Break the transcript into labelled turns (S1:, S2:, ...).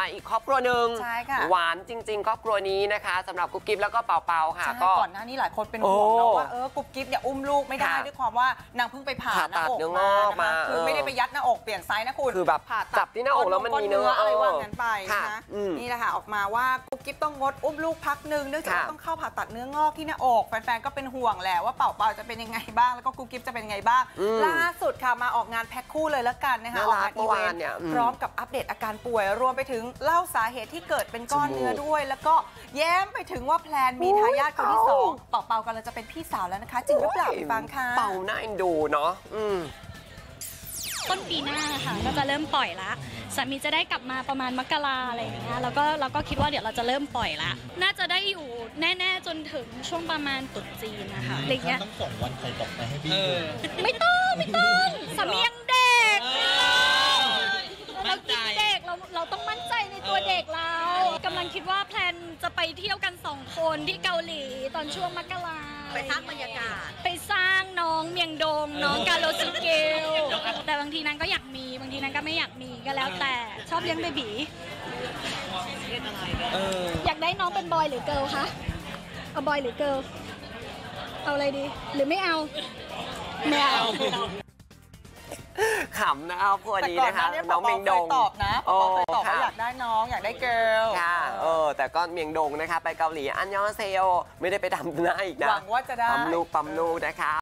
S1: อีกครอบครัวหนึ่ง
S2: ใช่ค่ะ
S1: หวานจริงๆครอบครัวนี้นะคะสำหรับกุ๊บกิ๊บแล้วก็เปาค่ะ
S2: ก็ก่อนหน้านี้หลายคนเป็นห่วงนะว่ากุ๊บกิ๊บเนี่ยอุ้มลูกไม่ได้ด้วยความว่านางเพิ่งไปผ่าหน้าอกมาคือไม่ได้ไปยัดหน้าอกเปลี่ยนไซส์นะคุณ
S1: คือแบบผ่าจับที่หน้าอกแล้วมันมีเนื้อ
S2: อะไรว่างั้นไปนะนี่แหละค่ะออกมาว่ากุ๊บกิ๊บต้องงดอุ้มลูกพักนึงเนื่องจากว่าต้องเข้าผ่าตัดเนื้องอกที่หน้าอกแฟนๆก็เป็นห่วงแหละว่าเปาจะเป็นยังไงบ้างแล้วก็กุ๊บกิ๊บจะเป็นยังไงบ้างล่าสุดค่ะมาออกงานแพ็คคู่เลยแล้วกันนะคะออกงานอีเวนต์พร้อมกับอัปเดตอาการป่วยรวมไปถึงเล่าสาเหตุที่เกิดเป็นก้อนเนื้อด้วยแล้วก็แย้มไปถึงว่าแพลนมีทายาทคนที่2เปากำลังจะเป็นพี่สาวแล้วนะคะจริงหรือเปล่าไปฟังค่ะ
S1: เปาน่าเอ็นดูเนาะ
S3: ต้นปีหน้าค่ะก็จะเริ่มปล่อยละสามีจะได้กลับมาประมาณมกราอะไรอย่างเงี้ยแล้วก็คิดว่าเดี๋ยวเราจะเริ่มปล่อยละน่าจะได้อยู่แน่ๆจนถึงช่วงประมาณตรุษจีนนะคะอะไรเงี้ย
S4: ต้องส่งวันไข่ตกไปให้พี่
S3: ไม่ต้องสามียังเด็กเรากินเด็กเราต้องมั่นใจในตัวเด็กเรากำลังคิดว่าแพลนจะไปเที่ยวกัน2 คนที่เกาหลีตอนช่วงมกรา
S2: ไปสร้างบรรยากาศ
S3: ไปสร้างน้องเมียงดงน้องกาโลซิเกลแต่บางทีนั้นก็อยากมีบางทีนั้นก็ไม่อยากมีก็แล้วแต่ชอบเลี้ยงเบบีอยากได้น้องเป็นบอยหรือเกิร์ลคะเอาบอยหรือเกิร์ลเอาอะไรดีหรือไม่เอาไม่เอา
S1: ขำนะครอบครัวนี้นะคะน้องเมียงดง
S2: ตอบนะเคยตอบว่าอยากได้น้องอยากได้เกิร์ล
S1: ค่ะแต่ก็เมียงดงนะคะไปเกาหลีอันยองเซโยไม่ได้ไปทำหน้าอีกนะ
S2: หวังว่าจะได้
S1: ปั๊มลูกนะคะ